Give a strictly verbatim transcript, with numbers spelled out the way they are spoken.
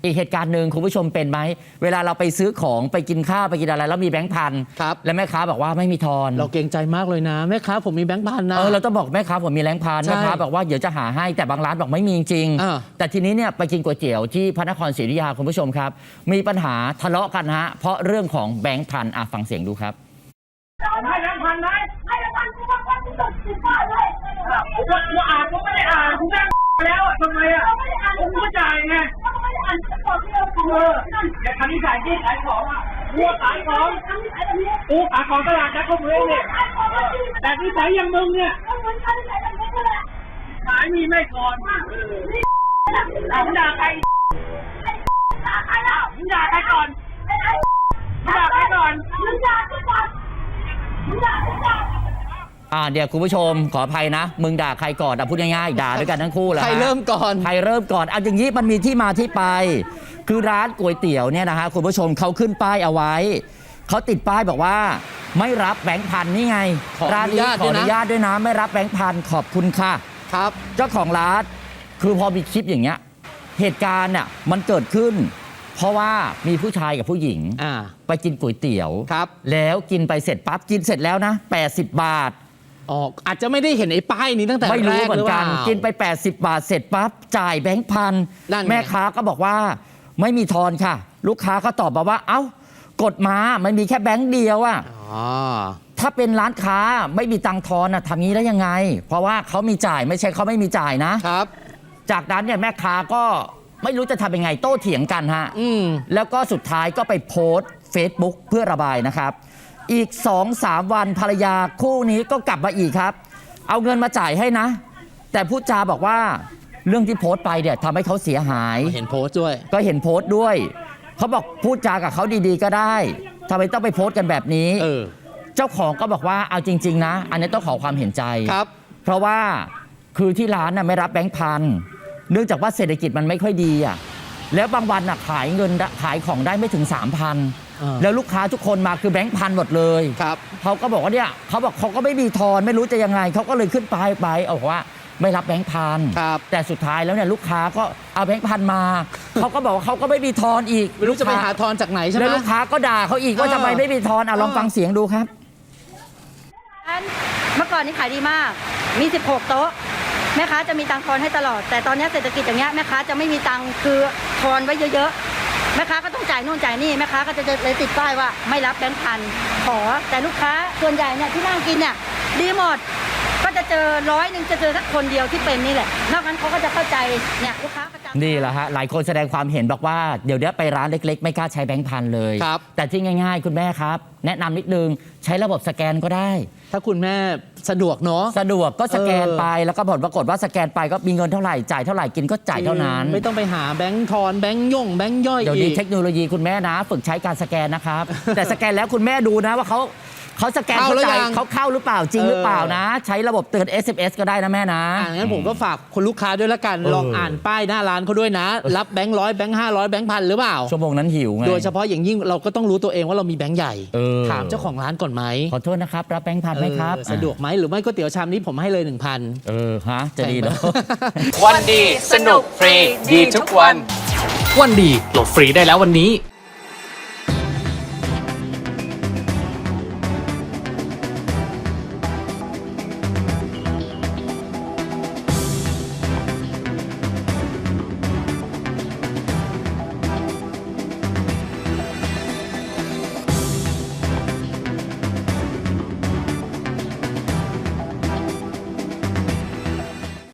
อีกเหตุการณ์หนึ่งคุณผู้ชมเป็นไหมเวลาเราไปซื้อของไปกินข้าวไปกินอะไรแล้วมีแบงค์พันแล้วแม่ค้าบอกว่าไม่มีทอนเราเกรงใจมากเลยนะแม่ค้าผมมีแบงค์พันนะเออเราต้องบอกแม่ค้าผมมีแบงค์พันแม่ค้าบอกว่าเดี๋ยวจะหาให้แต่บางร้านบอกไม่มีจริงแต่ทีนี้เนี่ยไปกินก๋วยเตี๋ยวที่พระนครศรีอยุธยาคุณผู้ชมครับมีปัญหาทะเลาะกันฮะเพราะเรื่องของแบงค์พันอ่ะฟังเสียงดูครับให้แบงค์พันไหมให้แบงค์พันกูว่าพันกูตกสิบบ้านเลยกูกูอ่านกูไม่ได้อ่านกูนั่งแล้วอ่ะทำไมอ่ะกูไม่จ่ายไงไม่ได้อ่านก็บอกเรื่องกูเออแต่คันนี้ขายที่ขายของอ่ะกูขายของกูขายของตลาดนัดเขาเมืองเนี่ยแต่ที่ขายอย่างมึงเนี่ยขายมีไม่ก่อนมึงด่าใครด่าใครแล้วมึงด่าใครก่อนมึงด่าใครก่อนมึงด่าใครก่อนอ่าเดี๋ยวคุณผู้ชมขออภัยนะมึงด่าใครก่อนอ่ะพูดง่ายๆด่าด้วยกันทั้งคู่แหละใครเริ่มก่อนใครเริ่มก่อนเอาอย่างนี้มันมีที่มาที่ไปคือร้านก๋วยเตี๋ยวเนี่ยนะฮะคุณผู้ชมเขาขึ้นป้ายเอาไว้เขาติดป้ายบอกว่าไม่รับแบงค์พันนี่ไงร้านนี้ขออนุญาตด้วยนะไม่รับแบงค์พันขอบคุณค่ะครับเจ้าของร้านคือพอมีคลิปอย่างเงี้ยเหตุการณ์น่ะมันเกิดขึ้นเพราะว่ามีผู้ชายกับผู้หญิงไปกินก๋วยเตี๋ยวแล้วกินไปเสร็จปั๊บกินเสร็จแล้วนะแปดสิบบาทอ๋ออาจจะไม่ได้เห็นไอ้ป้ายนี้ตั้งแต่แรกไม่รู้เหมือนกันกินไปแปดสิบบาทเสร็จปั๊บจ่ายแบงค์พันแม่ค้าก็บอกว่าไม่มีทอนค่ะลูกค้าก็ตอบมาว่าเอ้ากดมามันมีแค่แบงค์เดียวอ่ะถ้าเป็นร้านค้าไม่มีตังค์ทอนอ่ะทำงี้ได้ยังไงเพราะว่าเขามีจ่ายไม่ใช่เขาไม่มีจ่ายนะครับจากนั้นเนี่ยแม่ค้าก็ไม่รู้จะทำยังไงโต้เถียงกันฮะแล้วก็สุดท้ายก็ไปโพสต์ Facebook เพื่อระบายนะครับอีก สองสาม วันภรรยาคู่นี้ก็กลับมาอีกครับเอาเงินมาจ่ายให้นะแต่พูดจาบอกว่าเรื่องที่โพสต์ไปเนี่ยทำให้เขาเสียหายเห็นโพสต์ด้วยก็เห็นโพสต์ด้วยเขาบอกพูดจากับเขาดีๆก็ได้ทำไมต้องไปโพสต์กันแบบนี้เออเจ้าของก็บอกว่าเอาจริงๆนะอันนี้ต้องขอความเห็นใจครับเพราะว่าคือที่ร้านน่ะไม่รับแบงค์พันเนื่องจากว่าเศรษฐกิจมันไม่ค่อยดีอ่ะแล้วบางวันอ่ะขายเงินขายของได้ไม่ถึง สามพัน แล้วลูกค้าทุกคนมาคือแบงค์พันหมดเลยครับเขาก็บอกว่าเนี่ยเขาบอกเขาก็ไม่มีทอนไม่รู้จะยังไงเขาก็เลยขึ้นไปไปเอาว่าไม่รับแบงค์พันแต่สุดท้ายแล้วเนี่ยลูกค้าก็เอาแบงค์พันมาเขาก็บอกว่าเขาก็ไม่มีทอนอีกไม่รู้จะไปหาทอนจากไหนใช่ไหมแล้วลูกค้าก็ด่าเขาอีกว่าทำไมไม่มีทอนอ่ะลองฟังเสียงดูครับเมื่อก่อนนี้ขายดีมากมีสิบหกโต๊ะแม่ค้าจะมีตังค์ทอนให้ตลอดแต่ตอนนี้เศรษฐกิจอย่างเงี้ยแม่ค้าจะไม่มีตังค์คือทอนไว้เยอะๆแม่ค้าก็ต้องจ่ายนู่นจ่ายนี่แม่ค้าก็จะเลยติดป้ายว่าไม่รับแบงค์พันขอแต่ลูกค้าส่วนใหญ่เนี่ยที่นั่งกินเนี่ยดีหมดก็จะเจอร้อยหนึ่งจะเจอสักคนเดียวที่เป็นนี่แหละนอกนั้นเขาก็จะเข้าใจเนี่ยลูกค้าประจำนี่แหละฮะหลายคนแสดงความเห็นบอกว่าเดี๋ยวนี้ไปร้านเล็กๆไม่กล้าใช้แบงค์พันเลยแต่ที่ง่ายๆคุณแม่ครับแนะนำนิดนึงใช้ระบบสแกนก็ได้ถ้าคุณแม่สะดวกเนาะสะดวกก็สแกนไปแล้วก็ผลปรากฏว่าสแกนไปก็มีเงินเท่าไหร่จ่ายเท่าไหร่กินก็จ่ายเท่านั้นไม่ต้องไปหาแบงค์ทอนแบงค์ย่งแบงค์ย่อยเดี๋ยวนี้เทคโนโลยีคุณแม่นะฝึกใช้การสแกนนะครับแต่สแกนแล้วคุณแม่ดูนะว่าเขาเขาสแกนเข้าใจเขาเข้าหรือเปล่าจริงหรือเปล่านะใช้ระบบเตือน เอส เอ็ม เอส ก็ได้นะแม่นะอ่างั้นผมก็ฝากคนลูกค้าด้วยละกันลองอ่านป้ายหน้าร้านเขาด้วยนะรับแบงค์ร้อยแบงค์ห้าร้อยแบงค์พันหรือเปล่าชั่วโมงนั้นหิวไงโดยเฉพาะอย่างยิ่งเราก็ต้องรู้ตัวเองว่าเรามีแบงค์ใหญ่ถามเจ้าของร้านก่อนไหมขอโทษนะครับรับแบงค์พันไหมครับสะดวกไหมหรือไม่ก๋วยเตี๋ยวชามนี้ผมให้เลย หนึ่งพันเออฮะจะดีเนาะวันดีสนุกฟรีดีทุกวันวันดีโหลดฟรีได้แล้ววันนี้